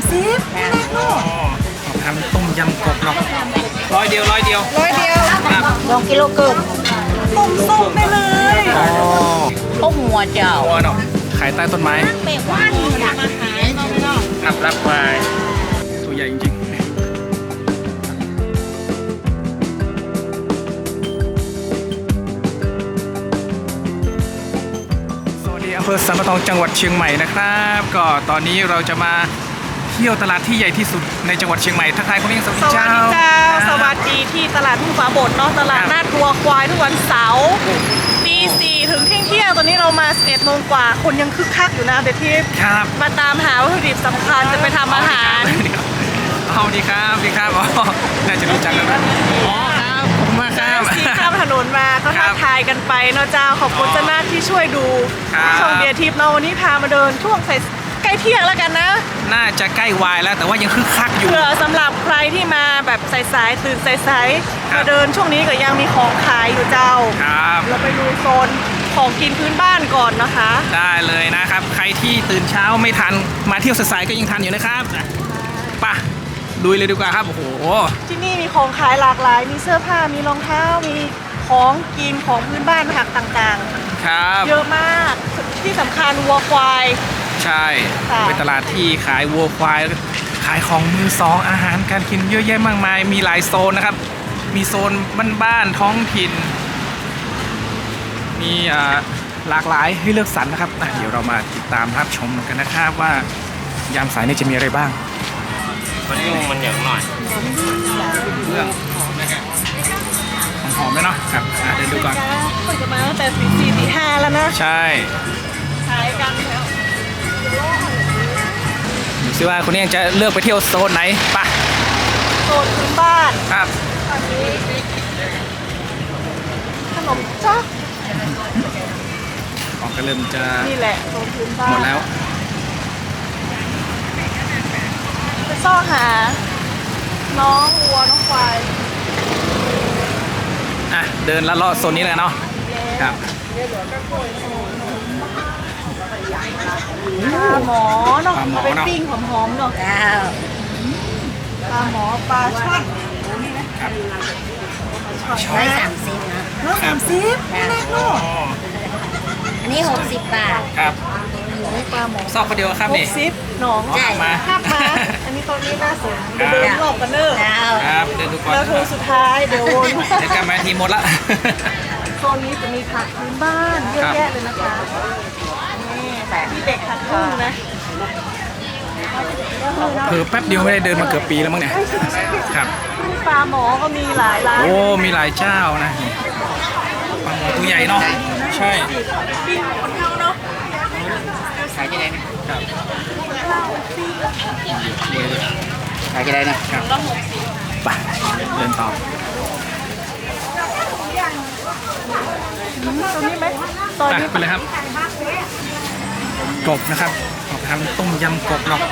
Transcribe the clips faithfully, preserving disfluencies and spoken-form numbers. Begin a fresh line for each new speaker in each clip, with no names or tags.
สิบ
ทำต้มยำกบเนาะร้อยเดียวร้อยเดียว
ร้อยเดียว
ครับ
สองกิโลเกินต้มส้มได้เลย
อ๋อ
ต้มหัวเจ้า
หัวเนาะขายใต้ต้นไม้
เป็ดว่านมาหา
ครับรับไปตัวใหญ่จริงๆสวัสดีอำเภอสันปะตองจังหวัดเชียงใหม่นะครับก็ตอนนี้เราจะมาเที่ยวตลาดที่ใหญ่ที่สุดในจังหวัดเชียงใหม่ทักทายคุณยิ่งสวัสดีเจ้า
สวัสดีที่ตลาดทุ่งฟ้าบดเนาะตลาดนัดวัวควายทุกวันเสาร์ตีสี่ถึงเที่ยงเที่ยงตอนนี้เรามาสิบเอ็ดโมงกว่าคนยังคึกคักอยู่นะเบทีฟมาตามหาวัตถุดิบสำคัญจะไปทำอาหาร
เอาดีครับดีครับอ๋อน่าจะรู้จักกันนะอ๋อครับขอบคุณมากครับ
ที่ข้ามถนนมาก็ทักทายกันไปเนาะเจ้าขอบคุณเจ้าหน้าที่ช่วยดูช่องเบียร์ทิพย์เนาะวันนี้พามาเดินช่วงใกล้เที่ยงแล้วกันนะ
น่าจะใกล้วายแล้วแต่ว่ายังคึกคักอยู่
เผื่อสำหรับใครที่มาแบบสายๆตื่นสายๆมาเดินช่วงนี้ก็ยังมีของขายอยู่เจ้า
ครับ
เราไปดูโซนของกินพื้นบ้านก่อนนะคะ
ได้เลยนะครับใครที่ตื่นเช้าไม่ทันมาเที่ยวสายๆก็ยังทันอยู่นะครับไปลุยเลยดีกว่าครับโอ้โห
ที่นี่มีของขายหลากหลายมีเสื้อผ้ามีรองเท้ามีของกินของพื้นบ้านผักต่าง
ๆครับ
เยอะมากที่สำคัญวัวควาย
ใช่เป็นตลาดที่ขายวัวควายขายของมือสองอาหารการกินเยอะแยะมากมายมีหลายโซนนะครับมีโซนบ้านๆท้องถิ่นมีหลากหลายให้เลือกสรรนะครับเดี๋ยวเรามาติดตามรับชมกันนะครับว่ายามสายนี้จะมีอะไรบ้าง
มันยุ่งมันเหนียวหน่อย
เรื่องหอมไหมเนาะครับเดินดูก่อน
คนจะมาตั้งแต่ตีสี่ตีห้าแล้วนะ
ใช่
ขายกันแล้ว
ดูซิว่าคุณนี่จะเลือกไปเที่ยวโซนไหนปะ
โซนพื้นบ้าน
ครับ
ตอนนี้ขนมจ๊อก
ออกก็เริ่มจะ
นี่แหละโซนพื้นบ้าน
หมดแล้ว
ไปซ่อหาน้องวัวน้องควาย
อ่ะเดินละเลาะโซนนี้เลยเนาะครับ
ปลาหมอเนาะไปปิ้งหอมๆเนาะปลาหมอปลาช่อน
ครับ
ร้อยสามสิบนะ
ร้อยสามสิบไม่แน่เนาะ
อันนี้หกสิบบาท
ครับ
ปลาหมอ
ซอกคนเดียวครับนี่
หกสิบหนอง
ใช่
มาภาพมาอันนี้ตอนนี้น่าสนเดินรอบกันเนอะ
ครับเดินดูก่อน
แล้วโถสุดท้ายเดี๋ยววน
เดี๋ยวกลับมาทีหมดละ
โซนนี้จะมีผักพื้นบ้านเยอะแยะเลยนะคะนี่แต่ที่เด็กผัดกุ้งนะ
เพิ่มแป๊บเดียวไม่ได้เดินมาเกือบปีแล้วมั้งเนี่ยครับ
ปลาหมอก็มีหลายร้าน
โอ้มีหลายเจ้านะปลาหมอตัวใหญ่เนาะใช่
ปิ้งคนเท่าเนาะ
ขายกี่ได้นะครับขายกี่ได้นะครับ
ไปเดินต่อ
ตรงนี้ไหมตอนนี้
ไปเลยครับกบนะครับออกทำต้มยำกบเนาะ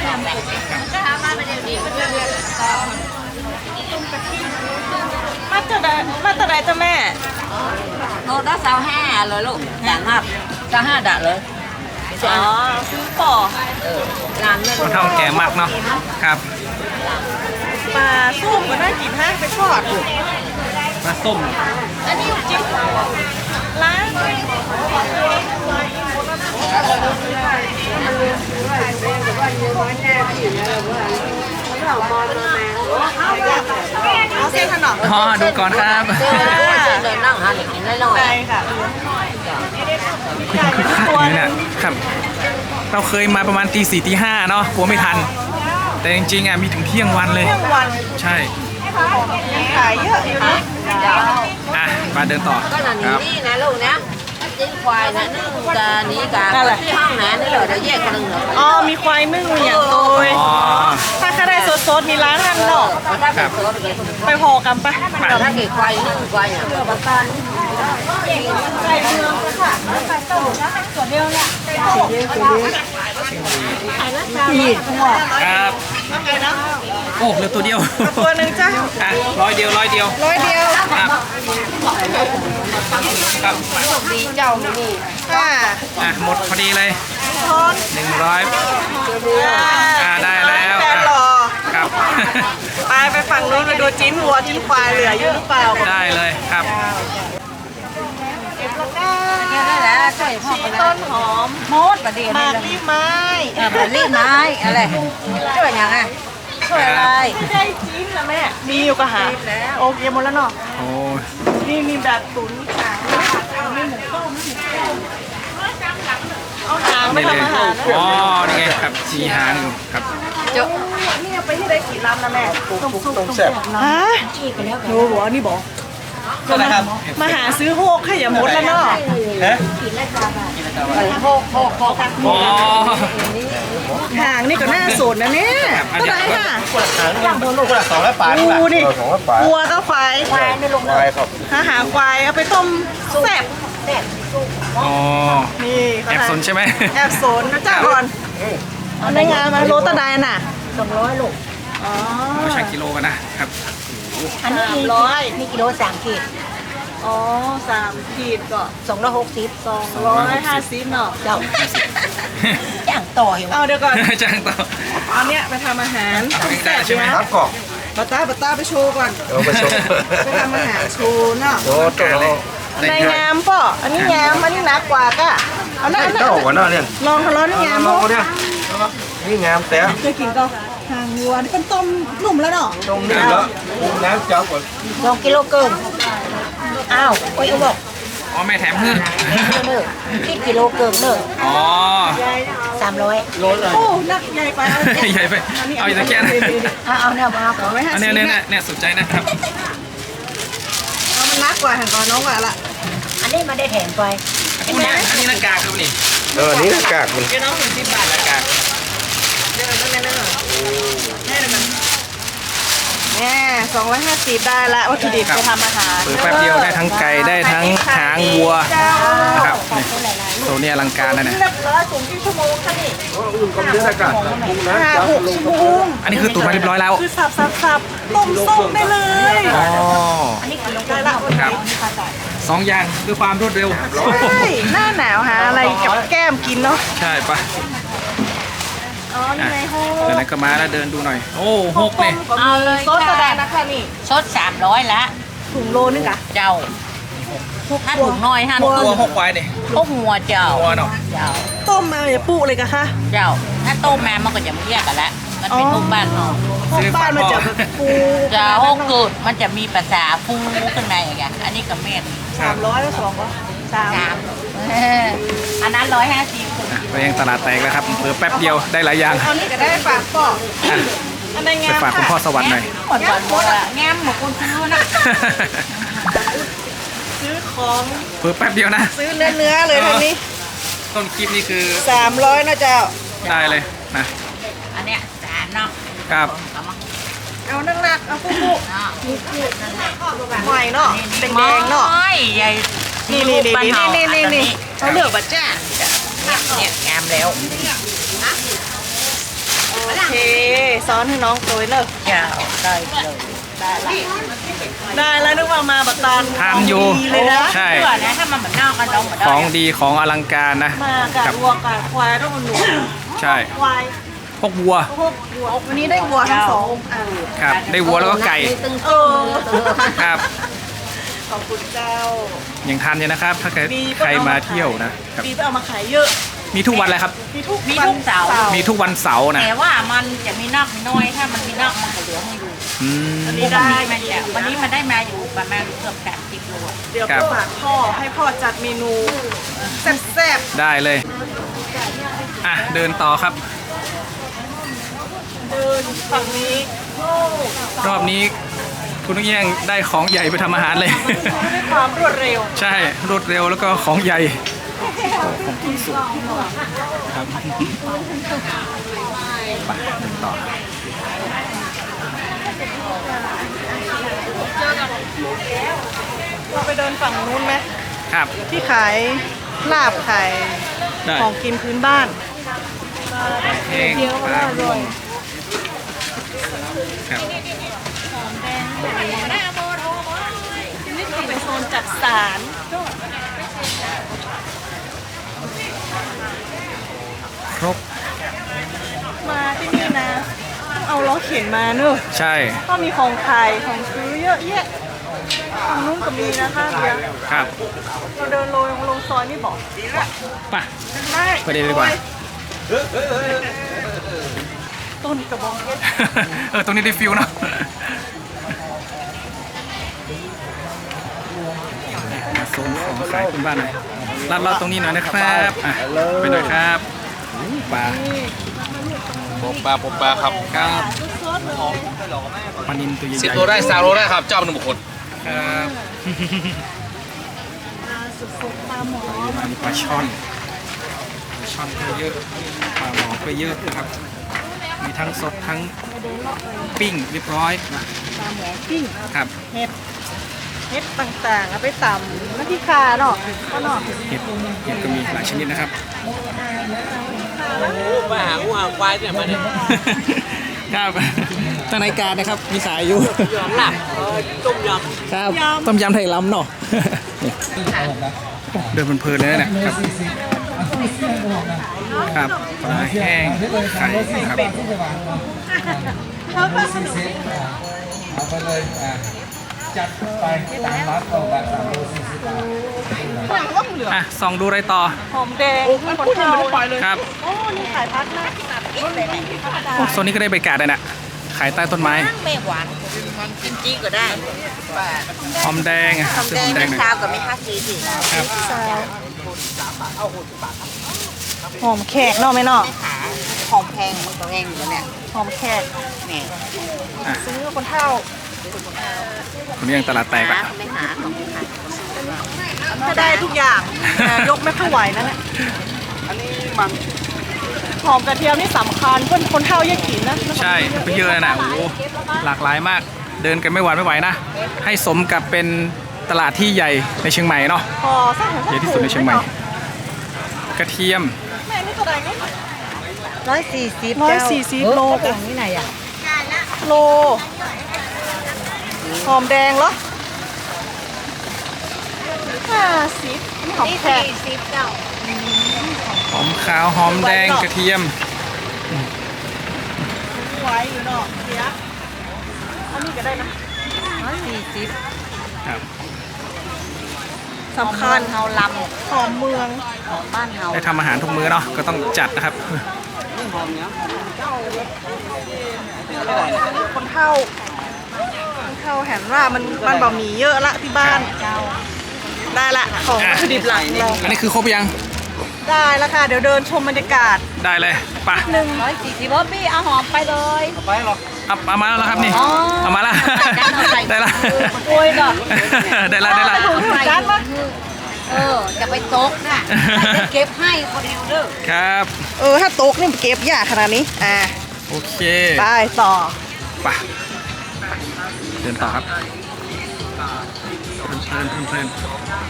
มาตะไดมาตะไดจ้าแม่
โลละสาวห้าเลยลูกด่างมากสาวห้าด่าเลย
อ๋อซื้อป่อ
ร้าน
คนเท่าแก่มากเนาะครับ
ปลาส้มก็น่ากินฮะไปทอด
ปลาส้ม
อันนี้จิ๊บร้านเอาเส้นขนม
อ๋อดูก่อนครับ
เดินนั่งหาหนึ่งน้อยๆ
ใช่ค่ะ
คือคักอยู่เนี่ยครับเราเคยมาประมาณตีสี่ตีห้าเนาะกลัวไม่ทันแต่จริงๆอ่ะมีถึงเที่ยงวันเลย
เที่ยงวัน
ใช่
ขายเยอะอยู่นะ
อ่ะมาเดินต่อ
ก็หนังนี่นะลูกนะจิ้งควายนะนึ่งกานี้กาที่ห้องนะนี่เลยเราแยกกันหนึ่ง
อ๋อมีควายนึ่งอย่างโตยถ้าข้าได้สดๆมีร้านทันเนาะไปพอกันปะ
ถ้าเกิดควายนึ่งควายเนี่ยประกัน
ไก่เมืองค่ะไก่ต้มส่วนเดียวเนี่ย
นี่ครับโอ้เหลือตัวเดียว
ตัวหนึ่งจ้ะ
อ่ะร้อยเดียวร้อยเดียว
ร้อยเดียว
ครับครับ
ดีเจ้านี่
อ่า
อ่ะหมดพอดีเลยหนึ่งร้อยอ่าได้แล้ว
แปดร้จิ้นวัวจิ้นควายเหลืออยู่หรือเปล่า
ได้เลยครับ
เก็บแล้วก็
เนี่ยได้แล้วใส่พ่อ
ชี
ไปแล้
ต้
วน
หอม
โมดประเดี๋ยว
หมา
นี้
กรีบไม้
เออมันรีบไม้อะไรช่วยยังไงช่วยอะไร
ไม่ได้จิ้นนะแม่มีอยู่ก็หาโอเคหมดแล้วเนาะ
โอ้
นี่มีแบบตุ๋นขางมีหมูต้มมีหมูต้มเอาหางไม่
นี่เลย
ทำอาหารนะ
อ๋อนี่ไงครับมีหางอยู่ครับ
นี่เอาไปที่ได้กี่ลำนะแม่ต้มซุปต้มแซ่บฮะโอ้โหนี่บอก
เท่าไหร่ครับ
มาหาซื้อโฮกให้อย่าหมดแล้วเนาะ
ฮะ
โคกโคกโคก
อ๋อ
หางนี่ก็น่าสนนะเนี่ย
อัน
ก็
นี้
ได้ค่ะ
คนละครั้งบนลูกคนละสองร้อยปอนด์
ดูนี่
สองร้อยปอนด์
วัวก็ควาย
ควายไม่ลง
ควายครับ
หาหางควายเอาไปต้มแซ่บ
อ๋อ
นี่เขา
แอบ
ทำ
สนใช่ไหม
แอบสนนะจ้าก่อนเอาในงานมาโรตะไดน่ะ
สองร้อยลูก
อ๋อ
เราชั่งกิโลกันนะครับ
อันนี้
สามร้อย
นี่กิโลสามขีด
อ๋อสามขีดก็
สองร้อยหกสิบ
สองร้อยห้าสิบเนาะ
เจ้าอย่างต่ออยู่
เอาเดี๋ยวก่อน
จ้างต่อ
เอาเนี้ยไปทำอาหาร
เอาเองได้ใช่ไหม
ครับกรอบ
บัตต้าบัตต้าไปโชว์ก่อน
เดี๋ยวไปชม
ไปทำอาหารโชว์เนาะ
โอ้ตัวเรา
ในงามป่ะอันนี้งามอันนี้หนักกว่าก็เอาหน้า
เจ้าหัวหน้าเนี่ย
ลองทะเลาะนี่งาม
ลอง
ป่ะ
เนี่ยนี่งามแต่
เคยกินก็หางวัวนี่เป็นต้มนุ่มแล้วเนาะ
ตรงนี้แล้วน้ำเจ้าก่อน
สองกิโลเกินอ้าวโอ้ยเขาบอก
อ๋อแม่แถมเพื่อน
เนอะคิดกิโลเกินเนอะ
อ๋อ
สามร้อย
โลเลย
โอ้หนักใหญ่ไปเอา
ใหญ่ไปเอาอีกตะแกรงนะ
เอาเอาเนี่ยมาขอ
เอาไว้ห้า
อัน
สิ
นี้
บ
เนี่ยเนี่ยเนี่ยสนใจนะครับ
เอามันนักกว่าหางก่อนน้องกว่าละ
อันนี้มาได้แถมไป
อันนี้อันนี้หน้ากากครับนี่
เออนี่กากมัน
เดี๋ยวน้องถึงสิบบาท
หน้ากาก
เดี๋ยวนั่นนั่นนั่นแม่เดี๋ยวมันแม่สองร้อยห้าสิบได้ละวัตถุดิบไปทำอาหาร
เปิดแป๊บเดียวได้ทั้งไก่ได้ทั้งหางวัวนะครับนี่ตัวนี้อลังการนะเนี่ย
เรียบร้อยสูงกี่ชั่วโมงคะนี่
อุ่นก็เยอะอากาศปรุงนะ
ห้า
เจ้า
หกชั่วโมง
อันนี้คือตุ๋นมาเรียบร้อยแล้ว
คือสับสับสับต้มส้มได้เลย
อ๋อ
อันนี้กิโล
ได้ละ
ครับสองอย่างด้วยความรวดเร็ว
ใช่หน้าหนาวหาอะไรกับแก้มกินเนาะ
ใช่ปะ
อ๋อนี่ไงโฮ
เดี๋ยวนั้นก็มาแล้วเดินดูหน่อย โอ้หกเลย
เอาเลย
ซดแสดงนะคะนี่
สดสามร้อยละ
ถุงโลนึงอะ
เจ้าถ้าถุงน้อยห้า
หก
ถุ
ตัว
ง
หกควายเนี่ย
พวกหัวเจ้า
หัวเนาะ
เจ้า
ต้มมาอย่าปุเลยกะคะ
เจ้า ถ้าต้มมามันก็จะไม่แยกกันละมันเป็นทุกบ้านเนาะ
พวกบ้านมันจะแบบปู
เจ้าโอ้เกิดมันจะมีภาษาฟูข้างในอย่างเงี้ยอันนี้กับเม็ด
สามร้อยแล้วสองก็สาม
สามเอออันนั้นร้อยห้าสิบ
ไปยังตลาดแตกแล้วครับเพิ่แป๊บเดียวได้หลายอย่าง
เอานี่ก็ได้ฝากพ่อ
อ่ะ
อันไหน
ไป
งาม
ฝากคุณพ่อ
ค่ะ
สวรรค์หน่อย
หมดหมดอะแง้มหมดคนซื้อนะ
ซื้อของ
เพิ่แป๊บเดียวนะ
ซื้อเนื้อเนื้อๆเลยทางนี้
ต้นคลิปนี่คือ
สามร้อยนะเจ้า
ได้เลยนะ
อันเนี้ยสามเนาะ
ครับ
เอามา
เอานั่งนักเอาปุ๊บปุ๊บ
เนาะ
ใหม่เนาะแดงๆเนาะ
โอ้ยใหญ่
นี่นี่นี่นี่นี่นี่นี่เขาเลือกบัตจ้า
เนี่ยงามแล้ว
โอเคซ้อนให้น้องตัวเนอะ
เจ้าได้เลย
ได้ละได้แล้วนึกว่ามาบัตตอน
ทานอยู่
ดีเลยนะ
ใช่
เพื่อนะถ้ามันเหมือนนอกกันน้องเหมือน
ของดีของอลังการนะ
มากั
ครับ
บวัวกับควายต้องหนู
ใช่
ควาย
พวกวัว
พวกวัววันนี้ได้วัวทั้งสองอ่ะ
ครับ ได้วัวแล้วก็ไก่
เออ
ครับ
ขอบคุณเจ้า
ยังทันอยู่นะครับ ถ้าเกิดใครมาเที่ยวนะครับ
ปีไปเอามาขายเยอะ
มีทุกวันเลยครับ
มีทุก
มีทุกเสาร์
มีทุกวันเสาร์นะ
แต่ว่ามันจะมีนอกมีน้อยถ้ามันมีนอกมันก็เหลือให้อยู่
อืม
อัน
วั
นี้
น
ได้
นี้มันจะวันนี้มันได้มาอยู่ประมาณเกือบสามสิบโลอะ
เดี๋ยว
ครับ
ฝากพ่อให้พ่อจัดเมนูแซ่บ
ได้เลย อ่ะ เดินต่อครับ
ๆเดินฝั่งนี้โอ้
รอบนี้คุณนุ้งเอี้ยงได้ของใหญ่ไปทำอาหารเลย
ด้วยความรวดเร็ว
ใช่ รวดเร็วแล้วก็ของใหญ่ของที่สุดครับไปเดินต่อ
เราไปเดินฝั่งนู้นไหม
ครับ
ที่ขายลาบขาย
ได้
ของกินพื้นบ้าน
เอง
เดียวก็อร่อย
ครับ
นี่เป็นโซนจัดสาร
ครบ
มาที่นี่นะต้องเอาล้อต้องเข็นมาเนอะ
ใช่
ก็มีของขายของซื้อเยอะแยะทางนู้นก็มีนะคะเดี๋ยว
ครับ
เราเดินลงลงซอยนี่บอก
ไป่ะ
ได้
ไปเดินดีกว่า
ต้นกระบองเพชร
เออตรงนี้ได้ฟิลเนาะมาโซนของขายคุณบ้านหน่อยลัดเลาะตรงนี้หน่อยนะครับอ่ะไปหน่อยครับปลา
ผมปลาผมปลาครับ
ครับปลานินตัวใหญ่
สิบตัวได้สามโลได้ครับ เจ้าหนึ่งบุคคล
ครับ
สุดๆปลาหมอ
มามีปลาช่อนปลาช่อนก็เยอะปลาหมอก็เยอะนะครับ มีทั้งสดทั้งปิ้งเรียบร้อย
ปลาหมอปิ้ง
ครับ
เห็ดเห็ดต่างๆเอาไปตำน้ำพริกคาเนาะก็เนาะ
เห็ดเห็ดก็มีหลายชนิดนะครับ
มาหาหัวควายเนี่ยมาเนี่ย
ครับทางรายการนะครับมีขายอยู่
ยอมหลับต้มย
ครับต้มยำไทยล้ำเนาะเดินเพลินๆเลยนะเนี่ยครับครับปลาแห้งไข่นะครับ
เขาก็สนุก
เอาไปเลยอ่ะจัดไปตามนัดเอาแบบสามโลสี่สิบบาท
อย่างว่าเหลือ
อ่ะส่องดูอะไรต่อ
หอมแดงมันพูดยังไม่ได้ปล่อยเลย
ครับ
โอ้นี่ขายพัดนะ
โอ้โซนนี้ก็ได้บรรยากาศเลยนะขายใต้ต้นไม้
ไม่หวานกินจีก็ได้
หอมแดงอ่ะ
ทำ
ซื้อ
แด
หอง มแด
ไม่
งหน่อย
ซาวกับไม่ค่าซีสิ
ครับ
หอมแขกเนาะไหมเนาะ
ขาของแพงมันก็แพงอยู่แล้วเนี่ย
หอมแขก
เนี่ย
อ่ะ
ซื้อคนเท่า
คนนี้ยังตลาดแตก
หา
อ่ะ
ไม่หาของไม่ขาย
ถ้าได้ทุกอย่างแต่ยกไม่ค่อยไหวนั่นแหละ
อันนี้มัน
หอมกระเทียมนี่สำคัญเพื่อนคนเท่าแยกกินนะ
ใช่ไปเยอะเลยนะโอ้โหหลากหลายมาก เดินกันไม่หวานไม่ไหวนะ ให้สมกับเป็นตลาดที่ใหญ่ในเชียงใหม่เนาะ
พอสร้าง
ใหญ่ที่สุดในเชียงใหม่ กระเทียม
แม่นี่ตัวใดนี่
ร้อยสี่สิบ
ร้อยสี่สิบโล
กล่องนี่ไหนอ่ะ
โลหอมแดงเหรอห้าสิบหอมแขก
สิบเก้า
หอมขาวหอมแดงกระเทียม
ไว้อยู่เนาะเสียอันนี้ก็ได้นะ
ร้อยสี่สิบ
ครับ
สำคัญ
เฮาล
หอมเมือง
ำของบ้านเฮา
ได้ทำอาหารทุกมื้อเนาะก็ต้องจัดนะครับ
คนเท่าคนเท่าแห็นว่ามันมันบะหมี่เยอะละที่บ้าน
เจ้า
ได้ละของวัตถุดิบหลักเรา
อันนี้คือครบยัง
ได้แล้วค่ะเดี๋ยวเดินชมบรรยากาศ
ได้เลยไปะ
หนึ่ง
ร้อยสี่สิบว่าพี่เอาหอมไปเลย
เอาเอามาแล้วครับนี่
อ๋อ
เอามาละ ได้ละ
โอ้ยก่อน
ได้ละได้ละ
ถูกถูกกันปะ
เออ จะไปตกน่ะจะเก็บให้คนเดียวเด้อ
ครับ
เออถ้าโต๊ะนี่เก็บยากขนาดนี้อ่า
โอเค
ไปต่อ
ไปเดินต่อครับเพลินเพลินเพลินเพลิน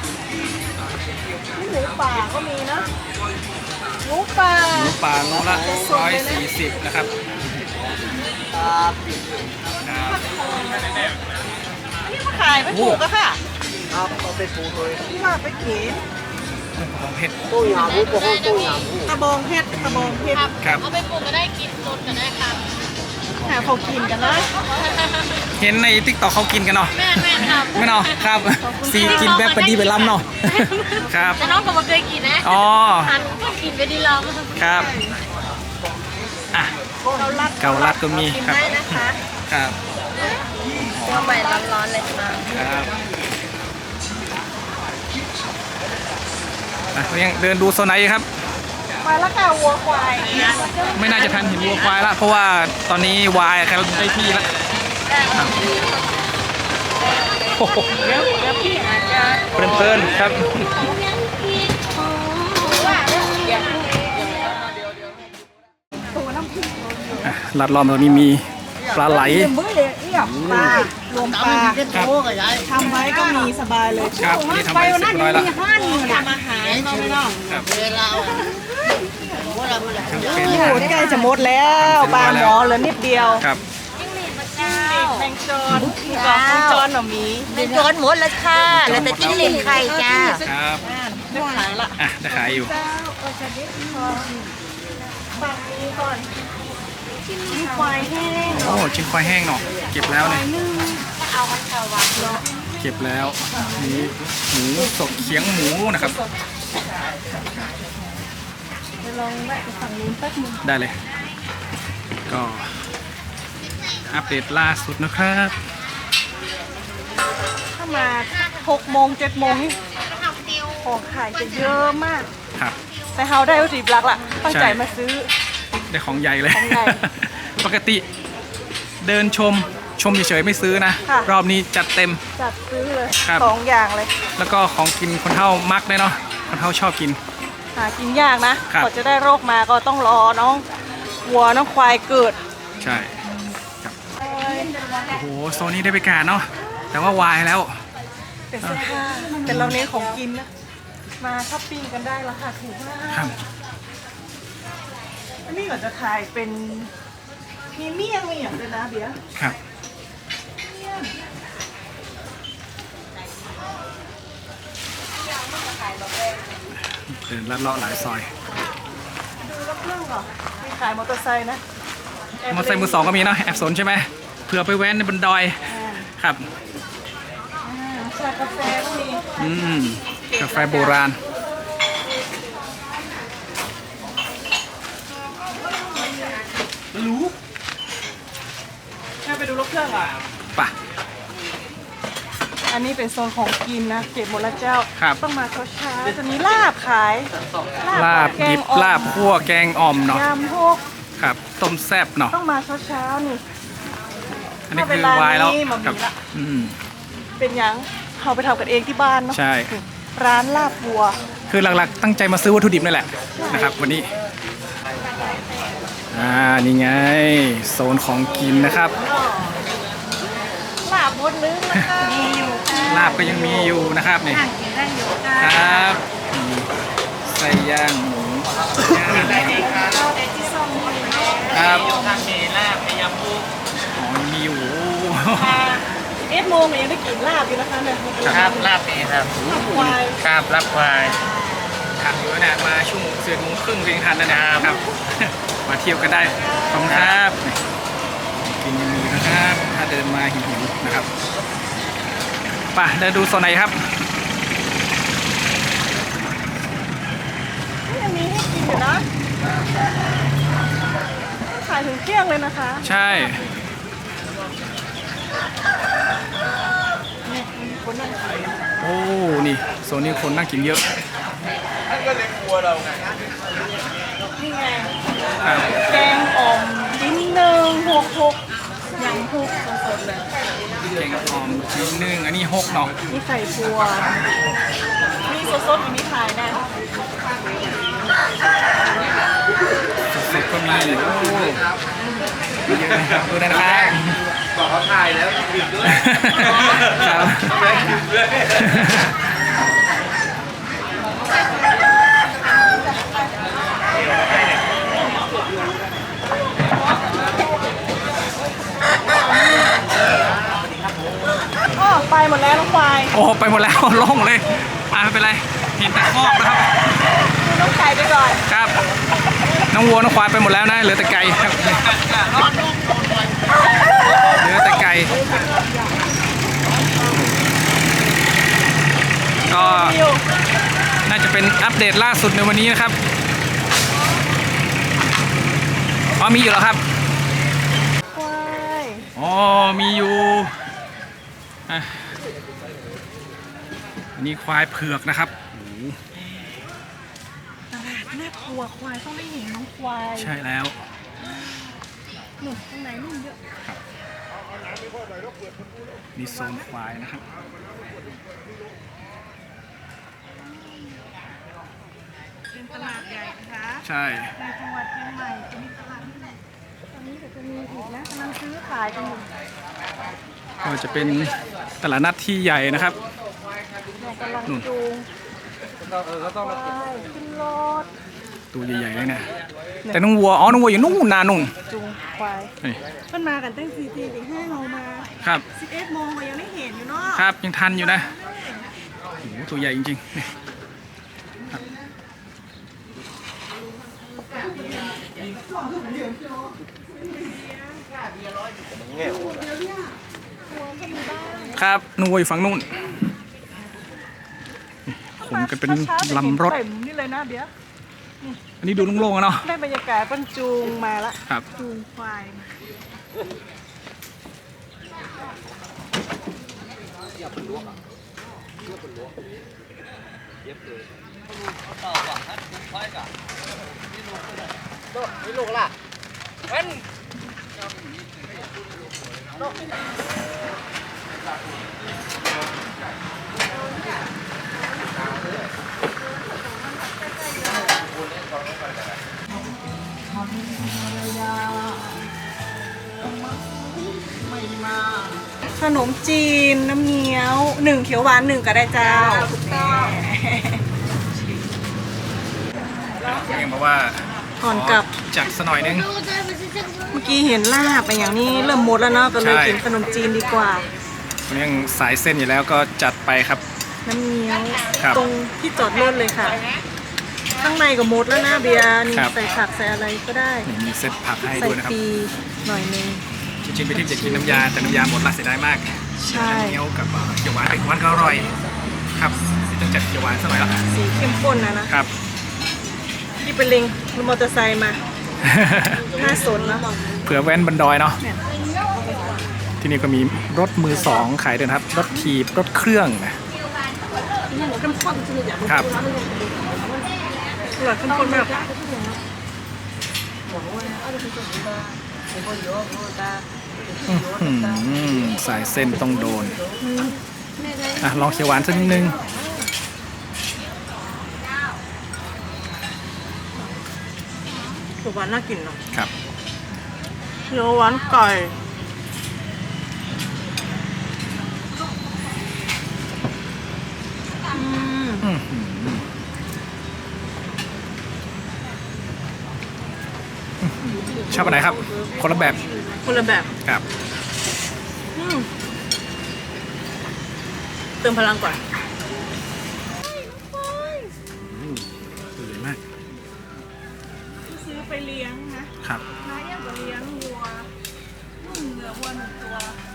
หมูป่าก็มีนะหมูป่า
หมูป่าโลละร้อยสี่สิบนะครับครับ
นี่มาขายไม่ถูกอะค่ะ
ครับเอาไปปูเลย
นี่มาไปเก๋
ของเผ็ด
ตู้ยาบูปกห้องตู้ยาบู
กระบองเพชรกระบองเพชร
ครับ
เอาไปปลูกก็ได้กินสดก็ได้ค่ะ
หาเขากินกันนะ
เห็นในติ๊กต็อกเขากินกันเนาะ
แม่แม่ครับ
ไม่เนาะครับซีกินแบบปดีไปล้ำเนาะครับ
แต่น้องก็มาเคยกินนะ
อ๋อ
หันก็กินไปดีเรา
ครับอ่ะ
เกาลัด
เกาลัดก็มี
กิน
ครับ
ได้นะคะ
ครับ
ตัวใหม่ร้อนๆเลยค่ะ
ครับอ่ะเรายังเดินดูโซนไหนอีกครับ
มาแล้วค่ะวัวควาย
ไม่น่าจะทันเห็นวัวควายละเพราะว่าตอนนี้วายเขาได้ที่ละครับโอ้โห
เดี๋ยวเดี๋ยวพี่อาจจะ
เพลินๆครับอ่ะลัดล้อมตรงนี้มีปลาไหล
ปลารวมปลา
ครับ
ทำไว้ก็มีสบายเลย
ครับนี่ทำไปเสร็จเรียบร้อยแล้ว
ทำอาหารก็ไม่ต้อง
ครับ
โอ้โหใกล้จะหมดแล้วปลาหมอเหลือนิดเดียว
ครับ
แมงจอนกับแมงจอนหน่อมี
เป็นจอนหมดแล้วค่ะแล้วแต่จิ้งหรีดไข่จ้า
ครับ
ได้ขายละ
อ่ะจะขายอยู่
ฝั่งนี้ก่อนมีควายแห้ง
โอ้ชิ้นควายแห้งเนาะเก็บแล้วเนี่ย
เอาไปชาววัดเนาะ
เก็บแล้วนี่หมูสดเขียงหมูนะครับ
ไปลองแวะไปฝั่งนู้นแป๊บนึง
ได้เลย ก็อัปเดตล่าสุดนะครับ
ถ้ามาหกโมงเจ็ดโมงนี่ของขายจะเยอะมาก
ครับ
แต่เฮาได้วัตถุดิบหลักละตั้งใจมาซื้อ
ได้ของใหญ่เลย
ของใหญ่
ปกติเดินชมชมเฉยๆไม่ซื้อนะ
ค่ะ
รอบนี้จัดเต็ม
จัดซื้อเลย
ครับ
สองอย่างเลย
แล้วก็ของกินคนเฒ่ามักเลยเนาะคนเฒ่าชอบกิน
หากินยากนะครับ กว่าจะได้โรคมาก็ต้องรอน้องวัวน้องควายเกิด
ใช่ครับโอ้โหโซนนี้ได้ไปการเนาะแต่ว่าวายแล้ว
เป็นเสื้อผ้าแต่เราเน้นของกินนะ มาช้อปปิ้งกันได้ราคาถูกมาก
ครับ
อันนี้ก็จะขายเป็นมีเมี่ยงมีอย่างเลยนะเบียร์
ครับเดินลัดเลาะหลายซอย
ดูรถเครื่องเหรอมีขายมอเตอร์ไซค์นะ
มอเตอร์ไซค์มือสองก็มีเนาะแอบสนใช่ไหมเผื่อไปแว้นในบนดอย
อ่า
ครับ
อ่าชากาแฟก็มี
อืมกาแฟโบราณ
รู้ให้ไปดูรถเครื่องเหรอ่ะ
ป่ะ
อันนี้เป็นโซนของกินนะ เก็บหมดแล้วเจ้า
ครับ
ต้องมาเช้าๆจะมีลาบขาย
ลาบ
แก
ดิ
ง
บ
อ่อม
ลาบคั่วแกงอ่อมเนาะ
ยำพวก
ครับต้มแซ่บเนาะ
ต้องมาเช้าๆนี่
อันนี้
ถ้าเป็
คื
น
อ
ร้าน
วายแล้ว
นี้มันมี
ครับ
ละ
อืม
เป็นหยังเขาไปทำกันเองที่บ้านเนาะ
ใช่
ร้านลาบวัว
คือหลักๆ ตั้งใจมาซื้อวัตถุดิบนี่แหละนะครับ วันนี้อ่านี่ไงโซนของกินนะครับ
ลาบมดนึงนะคะมีอยู่ค่ะ
ลาบก็ยังมีอยู่นะครับนี่
กินได้อยู่ค่ะ
ครับนี่ไส้ย่างหมูครับอ๋อมีอยู่
เอ็ดโมงยังได้กินลาบอยู่นะคะเนี่ย
ครับลาบนี่ครับ
ควาย
ครับลาบควายทันอยู่นะมาชั่วโมงเสือโมงครึ่งเพียงทันแล้วนะครับ มาเที่ยวกันได้ขอบคุณครับกินยังมีนะครับถ้าเดินมาหิวๆนะครับไป่ะเดินดูโซนไหนครับ
ยังมีให้กินอยู่นะขายถึงเที่ยงเลยนะคะ
ใช่
นี่มีคนนั่งขาย
โอ้นี่โซนนี้คนนั่งกินเยอะ
นี่ไง
ครับ
แกงอ่อมชิ้นหนึ่งหกหกยำทุกสดๆเลย
แกงอ่อมชิ้นหนึ่งอันนี้หกเนาะ
มีไข่พัว มีสดๆอยู่นี่ขายนะ
สดๆก็มีโอ้เยอะนะครับดูได้นะครับ
บอกเขาถ่ายแล้วกินด้วย
ครับ
ด้วย
อ๋อไปหมดแล้วน้องควาย
โอ้ไปหมดแล้ว โล่งเลยอ่าไม่เป็นไรเห็นแต่คอกนะครับ
ดูน้องไก่ไปก่อน
ครับ น้องวัวน้องควายไปหมดแล้วนะเหลือแต่ไก่ครับเหลือแต่ไก่ก็
คิว
น่าจะเป็นอัปเดตล่าสุดในวันนี้นะครับอ๋อมีอยู่แล้วครับ
ควาย
อ๋อมีอยู่อ่ะอันนี้ควายเผือกนะครับโอ้โห
ตลาดน่ากลัวควายต้องได้เห็นน้องควาย
ใช่แล้ว
หนุ่มข้างในนุ่มเยอะ
มีโซนควายนะครับ
เป็นตลาดใหญ่นะคะ
ใช่
ในจังหวัดเชียงใหม่จะมีตลาดที่ไหนตอนนี้เดี๋ยวจะมีอีกนะกำลังซื้อขายกันอยู่
ก็จะเป็นตลาดนัดที่ใหญ่นะครับ
เรากำลัง
นู่น
จูงควายขึ้นรถ
ตัวใหญ่ๆเลยนะแต่น้องวัวอ๋อน้องวัวอยู่นู่นนานุ่น
จูงควาย
นี่
เพิ่นมากันตั้งสี่ตีถึงห้าโมงมา
ครับ
สิบเอ็ดโมงก็ยังไม่เห็นอยู่เนาะ
ครับยังทันอยู่นะโอ้โหตัวใหญ่จริงๆนี่ครับครับนู่นอยู่ฝั่งนู่นขนกันเป็นลำรถ
เต็มนี่เลยนะเดี๋ยว
อันนี้ดูโล่งๆอะเนาะ
ได้บรรยากาศบรรจูงมาละ
ครับ
จูงควายมาขนมจีนน้ำเงี้ยวหนึ่งเขียวหวานหนึ่งก็ได้เจ้า
เองบอกว่า
ก่อนกลับ
จัดสหน่อยนึง
เมื่อกี้เห็นลาบไปอย่างนี้เริ่มหมดแล้วเนาะก็เลย
ใช่
กินขนมจีนดีกว่า
เรื่องสายเส้นอยู่แล้วก็จัดไปครับ
น้ำเงี้ยว
ครับ
ตรงที่จอดรถเลยค่ะ ข้างในก็หมดแล้วนะเบียร์นี่
ครับ
ใส่ผักใส่อะไรก็ได้
นี่มีเซตผักให้
ใส่
ด้วยนะครับ
ปีหน่อยนึง
จริงๆไปที่จะกินน้ำยาแต่น้ำยาหมดละเสียดายมาก
ใช่
น้ำเงี้ยวกับเอ่อเขียวหวานเขียวหวานก็อร่อยครับต้องจัดเขียวหวานสักหน่อยละ
สีเข้มข้นนะนะครับ ที่เป็นลิงรถมอเตอร์ไซค์มาน่าสนนะ
เผื่อแว้นบนดอยเนาะ
เนี่ย
ที่นี่ก็มีรถมือสองขายด้วยนะครับ รถถีบรถเครื่องนะ
เข้มข้นจริงๆ
ครับ
อร่อยเข้มข้นมาก
อื้อหือสายเส้นต้องโดนอ่ะลองเขียวหวานสักนิดนึง
เขียวหวานน่ากินเนาะ
ครับ
เขียวหวานไก่อืม
อื้อหือชอบอันไหนครับ คนละแบบ
คนละแบบ
ครับ
อืมเติมพลังก่อน
สวยมาก
ซื้อไปเลี้ยงนะครับ น้าเอี่ยมก็เลี้ยงวัวนุ่มเนื้อวัวหนึ่งตัว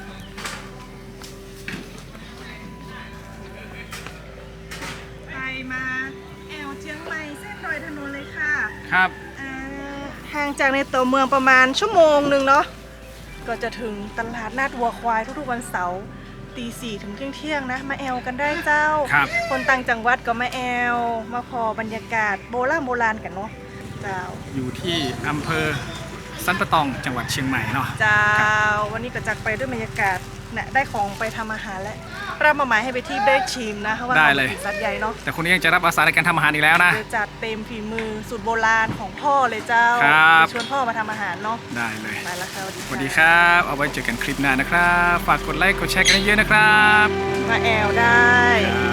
ไปมาแอวเชียงใหม่เส้นดอยถนนเลยค่ะ
ครับ
อ่าห่างจากในตัวเมืองประมาณชั่วโมงหนึ่งเนาะก็จะถึงตลาดนัดวัวควายทุกๆวันเสาร์ตีสี่ถึงเที่ยงเที่ยงๆนะ มาแอวกันได้เจ้า
ครับ
คนต่างจังหวัดก็มาแอว มาพอบรรยากาศโบราณโบราณกันเนาะเจ้า
อยู่ที่อำเภอสันปะตองจังหวัดเชียงใหม่เนาะ
เจ้าวันนี้ก็จักไปด้วยบรรยากาศเนี่ยได้ของไปทำอาหารแล้วรับมาหมายให้ไปที่ได้ชิมนะเพราะว่า
ได้เลย
ราป็นสัตว์ใหญ่เนาะ
แต่คนนี้ยังจะรับอาสาในการทำอาหารอีกแล้วนะ
เดี๋ยวจัดเต็มฝีมือสูตรโบราณของพ่อเลยเจ้า
ครับ
ชวนพ่อมาทำอาหารเนาะ
ได้เลย
ไปแล้วค่ะ
สวัสดีครับ เอาไว้เจอกันคลิปหน้านะครับ ฝากกดไลค์ กดแชร์กันเยอะๆนะครับ
มาแอลได้
ครับ